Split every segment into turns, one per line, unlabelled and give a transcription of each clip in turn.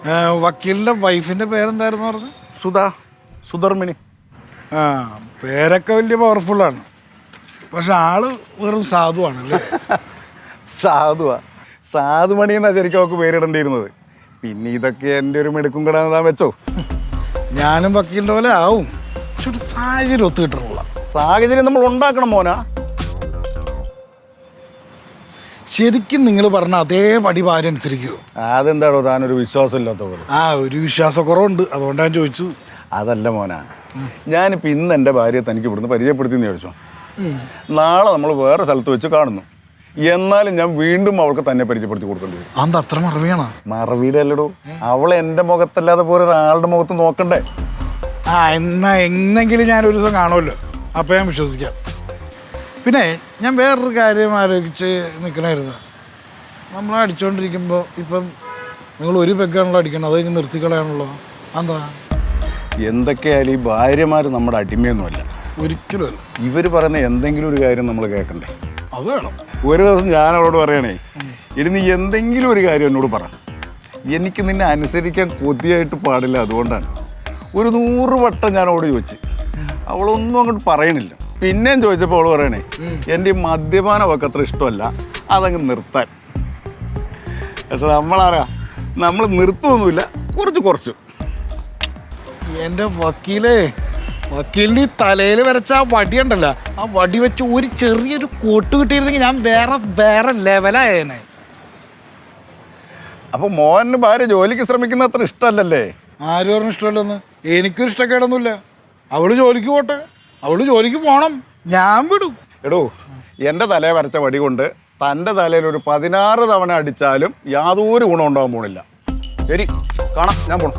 വക്കീലിന്റെ വൈഫിന്റെ പേരെന്തായിരുന്നു പറഞ്ഞത്?
സുധർമിണി.
ആ, പേരൊക്കെ വലിയ പവർഫുള്ളാണ്, പക്ഷെ ആള് വെറും സാധുവാണല്ലേ?
സാധുമണി എന്നാ ശരിക്കും അവൾക്ക് പേരിടേണ്ടിയിരുന്നത്. പിന്നെ ഇതൊക്കെ എൻ്റെ ഒരു മെടുക്കും കിടാന്ന് താൻ വെച്ചോ.
ഞാനും വക്കീലിന്റെ പോലെ ആവും, പക്ഷെ ഒരു സാഹചര്യം ഒത്തു കിട്ടണമുള്ള
സാഹചര്യം നമ്മൾ ഉണ്ടാക്കണം മോനാ.
ശരിക്കും നിങ്ങൾ പറഞ്ഞ അതേ പടി ഭാര്യ അനുസരിക്കുമോ?
അതെന്താണോ താനൊരു വിശ്വാസം ഇല്ലാത്ത പോലെ?
ഒരു വിശ്വാസക്കുറവുണ്ട്, അതുകൊണ്ടാണ് ഞാൻ ചോദിച്ചത്.
അതല്ല മോനാ, ഞാനിപ്പോൾ ഇന്ന് എൻ്റെ ഭാര്യയെ തനിക്ക് ഇവിടുന്ന് പരിചയപ്പെടുത്തിയെന്ന് ചോദിച്ചോ. നാളെ നമ്മൾ വേറെ സ്ഥലത്ത് വെച്ച് കാണുന്നു, എന്നാലും ഞാൻ വീണ്ടും അവൾക്ക് തന്നെ പരിചയപ്പെടുത്തി കൊടുക്കേണ്ടി വരും.
അത് അത്ര മറവിയാണോ?
മറവിയുടെ അല്ലടോ, അവളെ എൻ്റെ മുഖത്തല്ലാതെ പോലെ ഒരാളുടെ മുഖത്ത് നോക്കണ്ടേ.
എന്നെങ്കിലും ഞാനൊരു ദിവസം കാണുമല്ലോ, അപ്പം ഞാൻ വിശ്വസിക്കാം. പിന്നെ ഞാൻ വേറൊരു കാര്യം ആലോചിച്ച് നിൽക്കണമായിരുന്നു. നമ്മൾ അടിച്ചുകൊണ്ടിരിക്കുമ്പോൾ ഇപ്പം നിങ്ങൾ ഒരു പെഗ്ഗാണല്ലോ അടിക്കണം, അത് കഴിഞ്ഞ് നിർത്തിക്കളയാണല്ലോ. എന്താ?
എന്തൊക്കെയായാലും ഈ ഭാര്യമാർ നമ്മുടെ അടിമയൊന്നുമല്ല.
ഒരിക്കലും അല്ല.
ഇവർ പറയുന്ന എന്തെങ്കിലും ഒരു കാര്യം നമ്മൾ കേൾക്കണ്ടേ?
അത് വേണം.
ഒരു ദിവസം ഞാൻ അവളോട് പറയണേ, ഇനി നീ എന്തെങ്കിലും ഒരു കാര്യം എന്നോട് പറ, എനിക്ക് നിന്നെ അനുസരിക്കാൻ കൊതിയായിട്ട് പാടില്ല, അതുകൊണ്ടാണ്. ഒരു 100 വട്ടം ഞാൻ അവളോട് ചോദിച്ചു, അവളൊന്നും അങ്ങോട്ട് പറയണില്ല. പിന്നെയും ചോദിച്ചപ്പോൾ അവൾ പറയണേ, എൻ്റെ ഈ മദ്യപാനം അവൾക്ക് അത്ര ഇഷ്ടമല്ല, അതങ്ങ് നിർത്താൻ. പക്ഷെ നമ്മളാരാ, നമ്മൾ നിർത്തുമൊന്നുമില്ല, കുറച്ചു.
എൻ്റെ വക്കീലിൻ്റെ തലയിൽ വരച്ച ആ വടി ഉണ്ടല്ലോ, ആ വടി വെച്ച് ഒരു ചെറിയൊരു കോട്ട് കിട്ടിയിരുന്നെങ്കിൽ ഞാൻ വേറെ ലെവലായേനെ.
അപ്പോൾ മോഹന് ഭാര്യ ജോലിക്ക് ശ്രമിക്കുന്ന അത്ര ഇഷ്ടമല്ലല്ലേ?
ആര് പറഞ്ഞു ഇഷ്ടമല്ലെന്ന്? എനിക്കൊരു ഇഷ്ടക്കേടൊന്നുമില്ല. അവള് ജോലിക്ക് പോട്ടെ, അവള് ജോലിക്ക് പോകണം, ഞാൻ വിടും.
എടോ, എൻ്റെ തലയെ വരച്ച വടി കൊണ്ട് തൻ്റെ തലയിൽ ഒരു 16 തവണ അടിച്ചാലും യാതൊരു ഗുണം ഉണ്ടാകാൻ പോണില്ല. ശരി, കാണാം, ഞാൻ പോണം.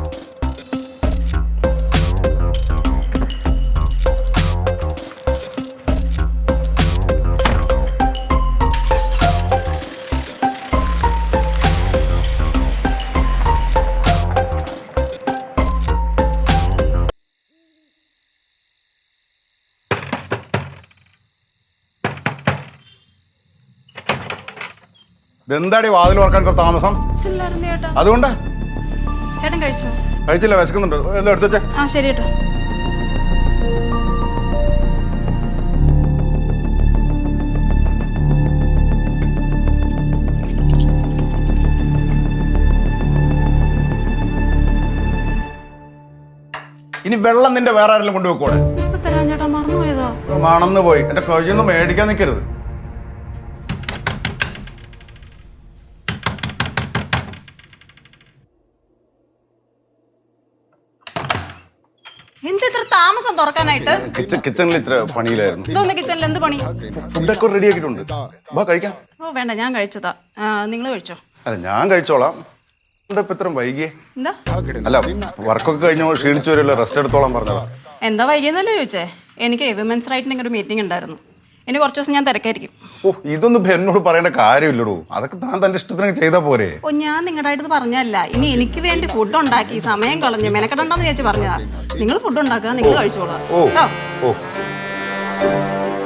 എന്താടി വാതിൽ ഓർക്കാൻ താമസം? അതുകൊണ്ട്
ചേട്ടൻ കഴിച്ചോ?
കഴിച്ചില്ല, വിശക്കുന്നുണ്ട്. എന്താ എടുത്തു വെച്ചേ?
ആ ശരി കേട്ടോ.
ഇനി വെള്ളം നിന്റെ വേറെ ആരെങ്കിലും കൊണ്ടുവെക്കോടെ?
ഇപ്പൊ തരാൻ ചേട്ടാ, മറന്നുപോയതാ.
മണന്ന് പോയി, എന്റെ കയ്യൊന്നും മേടിക്കാൻ നിൽക്കരുത്.
എന്തിത്ര താമസം തുറക്കാനായിട്ട്?
കിച്ചണിൽ ഇത്ര പണിയിലായിരുന്നു.
ഇതൊന്ന് കിച്ചണിൽ എന്ത് പണി?
ഫുഡൊക്കെ റെഡി ആക്കിയിട്ടുണ്ട്, വാ കഴിക്കാം.
ഓ വേണ്ട, ഞാൻ കഴിച്ചതാ. നിങ്ങൾ കഴിച്ചോ?
അല്ല, ഞാൻ കഴിച്ചോളാം. ഇപ്പൊ ഇത്ര വൈകിയേ?
എന്താ?
അല്ല, വർക്കൊക്കെ കഴിഞ്ഞ ക്ഷീണിച്ചു വരില്ല, റെസ്റ്റ് എടുത്തോളാം പറഞ്ഞതാ.
എന്താ വൈകിയെന്നല്ലേ ചോദിച്ചേ? എനിക്ക് വിമൻസ് റൈറ്റിന്റെ ഒരു മീറ്റിംഗ് ഉണ്ടായിരുന്നു. ഇനി കുറച്ച് ദിവസം ഞാൻ തിരക്കായിരിക്കും.
ഓ, ഇതൊന്നും എന്നോട് പറയേണ്ട കാര്യമില്ലടോ, അതൊക്കെ താൻ തന്റെ ഇഷ്ടത്തിന് ചെയ്താ പോരെ.
ഓ, ഞാൻ നിങ്ങളുടെ അടുത്ത് പറഞ്ഞല്ല. ഇനി എനിക്ക് വേണ്ടി ഫുഡ് ഉണ്ടാക്കി സമയം കളഞ്ഞു മെനക്കെടണ്ടെന്ന് വിചാരിച്ച് പറഞ്ഞതാ. നിങ്ങൾ ഫുഡ് ഉണ്ടാക്കുക, നിങ്ങൾ കഴിച്ചോളാം.
ഓ.